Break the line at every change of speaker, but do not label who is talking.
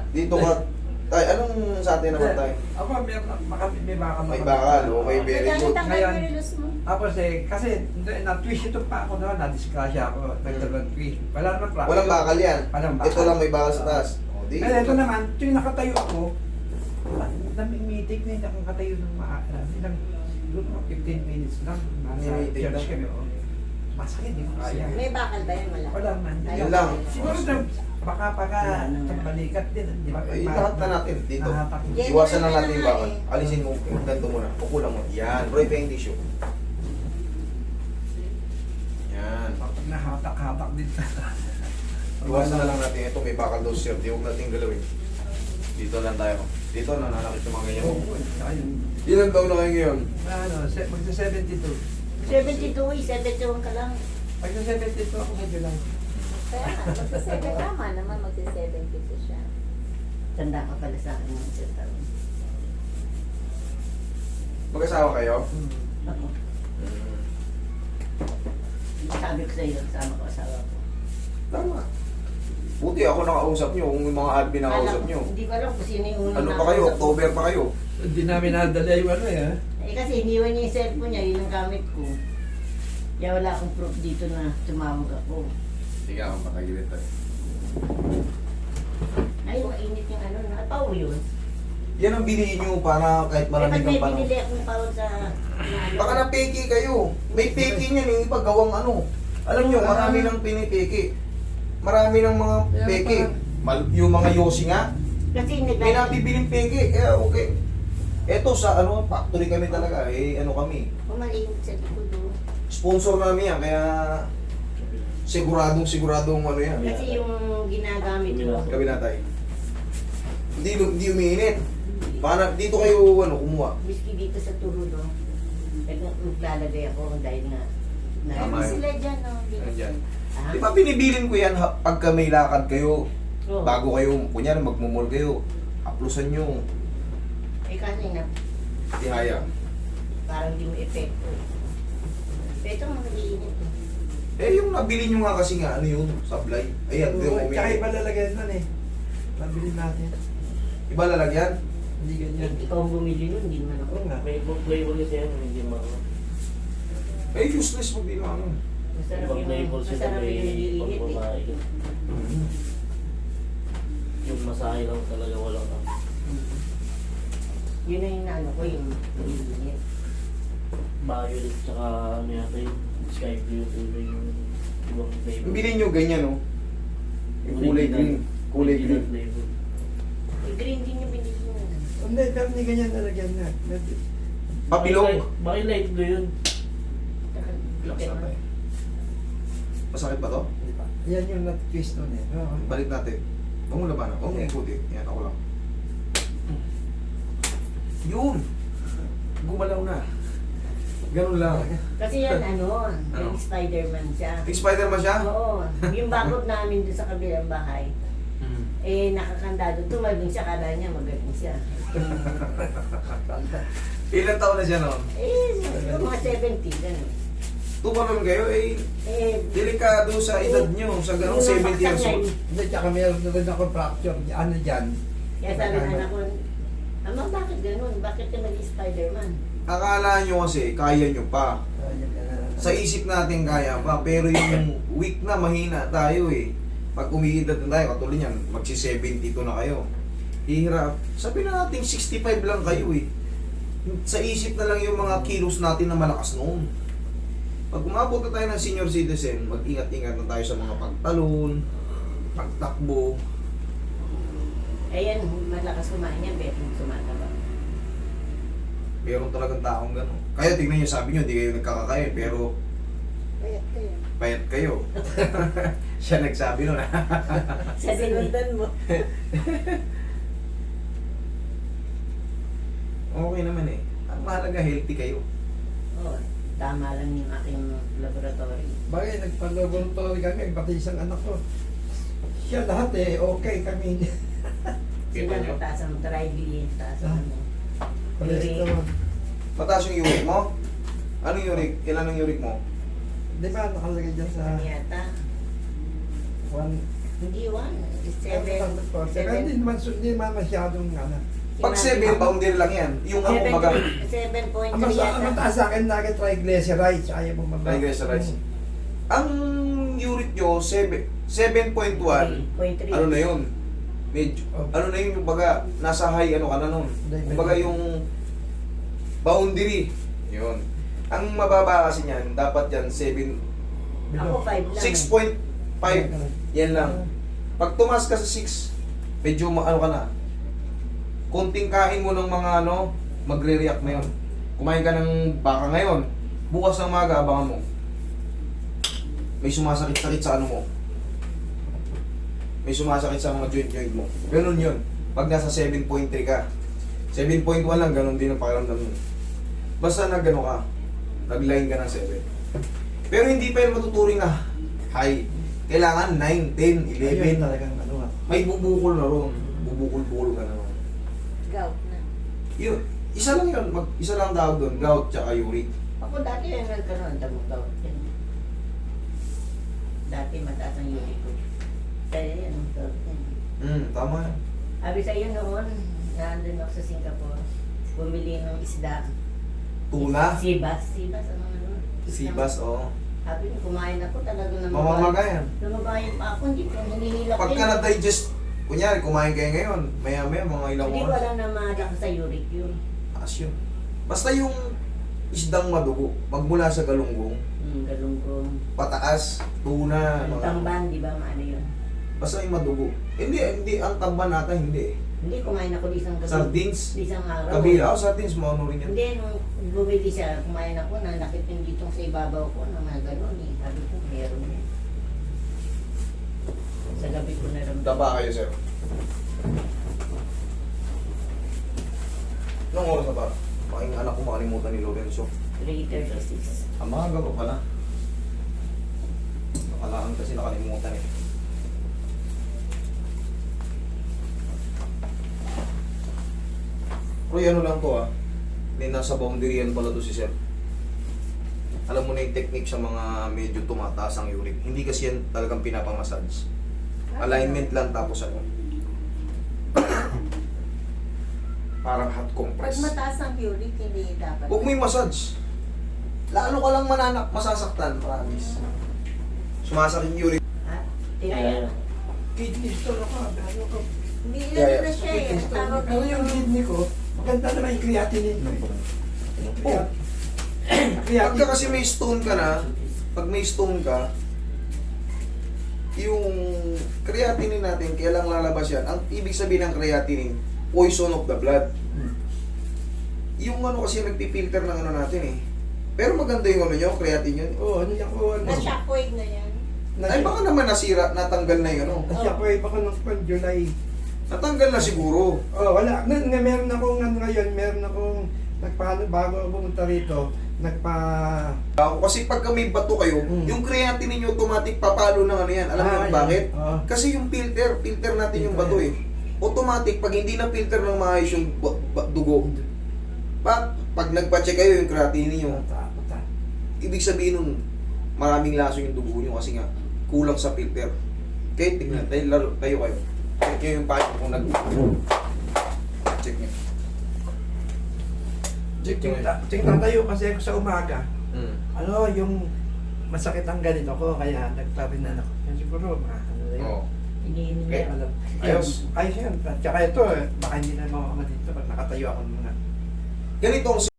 Dito ka. Tay, anong sa atin naman tayo?
Ako, may bakal.
May bakal, okay, very good.
Nagkakatanggal
Ngayon,
yung relos mo.
Tapos kasi na-twist ito pa ako naman, na-disgrasya ako, nagdalawang twist. Wala naman practice.
Walang bakal yan.
Walang bakal.
Ito lang may bakal sa taas. O, di.
Kaya ito naman, tuwing nakatayo ako, namimitig na hindi akong katayo ng ilang, siguro mga 15 minutes lang. Nasa
Namimitig
church
lang.
kami, oh. Masakit, di ko kaya.
May bakal ba yan? Wala.
Wala man.
Yun lang.
Siguro baka sa balikat din, di ba?
Eh, lahat na natin dito.
Nahatak.
Yan,
Iwasan
yan
lang natin yung
naman
bakal.
eh.
Alisin mo, ganito muna. Pukulang mo. Yan, bro, ito yung tissue. Yan.
Pag nahatak-hatak din sa...
Iwasan na lang natin. Ito may bakal daw sir. Di huwag natin galawin. Dito lang tayo. Dito na nanakit yung mga ganyan.
Oo, saka yun.
Ilan taon na kayo ngayon?
Ano, magsa-72.
72 eh, 71 ka lang.
Magsa-72 ako medyo lang.
Kaya nga, magsa-7 tama naman, magsa-72 siya. Tanda ka pala sa akin ng isang taon.
Mag-asawa kayo?
Ako. Sabi ko sa iyo, kasama ko asawa ko.
Tama. Buti ako nakausap nyo kung yung mga admin nakausap nyo.
Hindi ko alam kung sino yung unang
Ano pa kayo?
nakausap.
October pa kayo?
Hindi namin nadala yung ano eh.
Eh kasi iniwan niya yung cellphone niya, yun ang gamit ko. Kaya wala akong proof dito na tumawag ako.
Sige ako, patagilid tayo.
Ay, mainit yung ano, nakapaw yun.
Yan ang bilihin nyo para kahit malamig
Ba't may
ang panahon.
binili akong pawag sa...
Baka na peki kayo. May peki niyan yung iba gawang ano. Alam nyo, marami nang pinipeki. Marami ng mga peki. Yung mga yosi nga,
Kasi
may nabibiling peki. Kaya okay. Eto sa ano, factory kami talaga. Eh, ano kami.
Pumalimit sa likod doon.
Sponsor namin yan. Kaya siguradong ano yan.
Kasi yung ginagamit ko.
Gabi na tayo. Hindi umiinit. Baka dito kayo ano, kumuha.
Miski dito sa turo no. Naglalagay ako dahil nga.
Tama
Meron
yun.
sila dyan no.
Ayan.
Ah,
Di ba binibilin ko yan pagka may lakad kayo,
oo.
bago kayo, kunyari magmumol kayo, haplusan nyo,
Eh kasi na,
ihaya.
parang di mo epekto. Ito mga iinit eh.
Eh yung nabili nyo nga kasi nga, ano yun, sablay. Ayan, di mo
Tsaka iba
umiinit.
lalagyan nun eh. Nabili natin.
Iba lalagyan?
Hindi ganyan.
Ikaw ang bumili nun, hindi naman ako.
Oo nga.
May flavor kasi yan, hindi mo.
Eh useless mo din ano.
Masarap
Pag
yung,
flavor sila
masarap
may
yung nag-iinit eh.
pagbabae. Yung masahe lang talaga walang ano.
Yun na yung ano ko, yung nag-iinit.
Violet tsaka ano yata yung sky blue kulay yung ibang flavor.
Bili nyo ganyan, no? Yung kulay green. Kulay
Original
green.
flavor.
Eh, green din yung binili mo.
Hindi, pero hindi ganyan lalagyan na.
Papilog.
Bakit light blue yun?
Relax na tayo. Masakit ba to?
Hindi pa. Yan yung na-twist nun eh. Oo.
Balik natin. Huwag mo labanan. Huwag mo ikuti. Yan, ako lang. Yun! Gumalaw na. Ganun lang.
Kasi yan ano, yung Spider-Man siya.
Big Spider-Man siya?
Oo. Yung bakod namin doon sa kabilang bahay, eh nakakandado. Tumalbing siya, kala niya magaling siya.
Ilan taon na siya noon?
Eh, siguro mga 70, gano'n.
Tumalon kayo, eh,
Eh,
delikado sa edad nyo, sa ganong 70 years old.
Hindi, tsaka meron na rin ako fracture. Ano dyan?
kaya sabi ng anak ko, Ama, bakit gano'n? Bakit ka nag-Spider-Man?
Akala nyo kasi, kaya nyo pa. Sa isip natin kaya pa, pero yung weak na, mahina tayo eh. Pag umiidad na tayo, katulad yan, magsi-72 na kayo. Hihirap. Sabi na natin, 65 lang kayo eh. Sa isip na lang yung mga kilos natin na malakas noon. Pag umabot na tayo ng senior citizen, mag-ingat-ingat na tayo sa mga pagtalon, pagtakbo.
Ayan, malakas kumain niya, betong sumataba.
Meron talagang taong gano'n. Kaya tignan nyo, sabi nyo, hindi kayo nagkakakain, pero
Payat kayo.
payat kayo. Siya nagsabi nun.
Sa sinundan mo.
Okay naman eh. Ang mahalaga, healthy kayo.
Oo, tama lang yung aking laboratory.
Bagay, nagpa-laboratory kami, pati isang anak ko. Siya lahat eh, okay kami.
Kita
Sila
nyo?
taas ang triglyceride, taas ang ano.
Cholesterol.
Mataas yung uric mo? Anong uric? Ilan ang uric mo?
Di ba nakalagay dyan sa
Ano yata? Hindi 1, 7.
Saka hindi naman masyadong ano.
Pag 7, boundary lang yan. Yung ang kumbaga,
7.3
Ang
yata.
mataas sa akin lagi triglycerides. Ayaw mo mababa.
triglycerides. Ang uric nyo, 7.1,
0.3.
ano na yun? Medyo, ano na yun, kumbaga, nasa high, ano ka na nun? Kumbaga yung boundary, yun. Ang mababa kasi niyan, dapat yan 7,
Ako 5 lang.
6.5, yan lang. Pag tumas ka sa 6, medyo ano ka na, konting kain mo ng mga ano, magre-react na yun. Kumain ka ng baka ngayon, bukas ng maga, abangan mo. May sumasakit-sakit sa ano mo. May sumasakit sa mga joint-joint mo. Ganun yun. Pag nasa 7.3 ka. 7.1 lang, ganun din ang pakiramdam mo. Basta nag-ano ka, nag-line ka ng 7. Pero hindi pa yun matuturing na high. Kailangan 9, 10, 11.
Ayun talagang ano nga.
May bubukol na ron. Bubukol-bukol ka na ron.
Gout na.
Yun, isa lang yun. Isa lang tawag doon. Gout tsaka uric.
Ako dati yung nagkaroon, damog gout yan. Dati mataas ang uric ko. Kaya yan, ang gout yan.
Tama yan.
Sabi sa'yo noon, nandun ako sa Singapore, bumili ng isda.
Tuna.
Sibas, ano ano.
Sibas, oo.
Sabi ko, kumain ako talaga ng
Mamamaga yan.
Lumabay pa ako, hindi ko hinihilak
Pagka na-digest, kunyari, kumain kayo ngayon, maya-maya, mga ilang
Hindi
oras.
wala na malakas sa uric yun.
Taas yun. Basta yung isdang madugo, magmula sa galunggong,
Galunggong.
pataas, tuna,
Ang
mga...
tamban, di ba, maano yun?
Basta yung madugo. Hindi, ang tamban nata, hindi.
Hindi, kumain ako di isang gabi.
Sardines,
Di isang araw.
kabila, sardines, maano rin yan.
Hindi, nung bumili siya, kumain ako, nanakit yung ditong sa ibabaw ko, na mga gano'n eh. Sabi ko, meron yan. Sa gabi ko naramdaman.
Daba kayo, sir. Anong oras na ba? Making anak ko makalimutan ni Lorenzo.
3:36.
Ang mga gabo pala. Nakalaan kasi nakalimutan eh. Roy, ano lang to may nasa boundary yan pala to si sir. Alam mo na yung technique sa mga medyo tumataas ang uric. Hindi kasi yan talagang pinapamassage. Alignment lang tapos ano. Parang hot
Pag
compress.
mataas ang uric, hindi dapat.
Huwag mo yung massage. Lalo ka lang masasaktan, promise. Sumasakit yung uric.
Ha? Tinaya.
Kidney stone ako. Ano ko?
Hindi
Yeah,
na siya eh. Tawag
Pero yung kidney ko, maganda naman yung creatinine.
Oh. Pagka kasi may stone ka na, pag may stone ka, yung creatinine natin, kailang lalabas yan. Ang ibig sabihin ng creatinine, poison of the blood. Yung ano kasi nagpipilter ng ano natin eh. Pero maganda yung ano nyo, creatinine yun.
Oo, ano yan ko.
Na-shockwave na yan.
Ay baka naman nasira, natanggal na yung ano.
Shockwave ako ng July.
Natanggal na siguro.
Oh, wala. Meron akong ano ngayon, meron akong bago ako pumunta rito,
Kasi pagka may bato kayo, yung creatinine nyo automatic papalo ng ano yan. Alam mo
yan.
bakit?
Kasi
Kasi yung filter natin yung bato eh. Automatic, pag hindi na filter ng maayos yung dugo, pag nagpa-check kayo yung creatinine nyo, ibig sabihin nun, maraming laso yung dugo nyo kasi nga, kulang sa filter. Okay, tignan, tayo kayo. Check nyo yung payo kung check nyo.
Check tatayo kasi ako sa umaga. Ano, yung masakit ang ganito ko, kaya nagparinan ako. Yan siguro, ano na yun.
Oo.
Iniinom
Okay.
niya.
Alam.
Ayos.
Ayos yan. At saka ito, baka hindi na mawakama dito pag nakatayo ako ng mga
Ganitong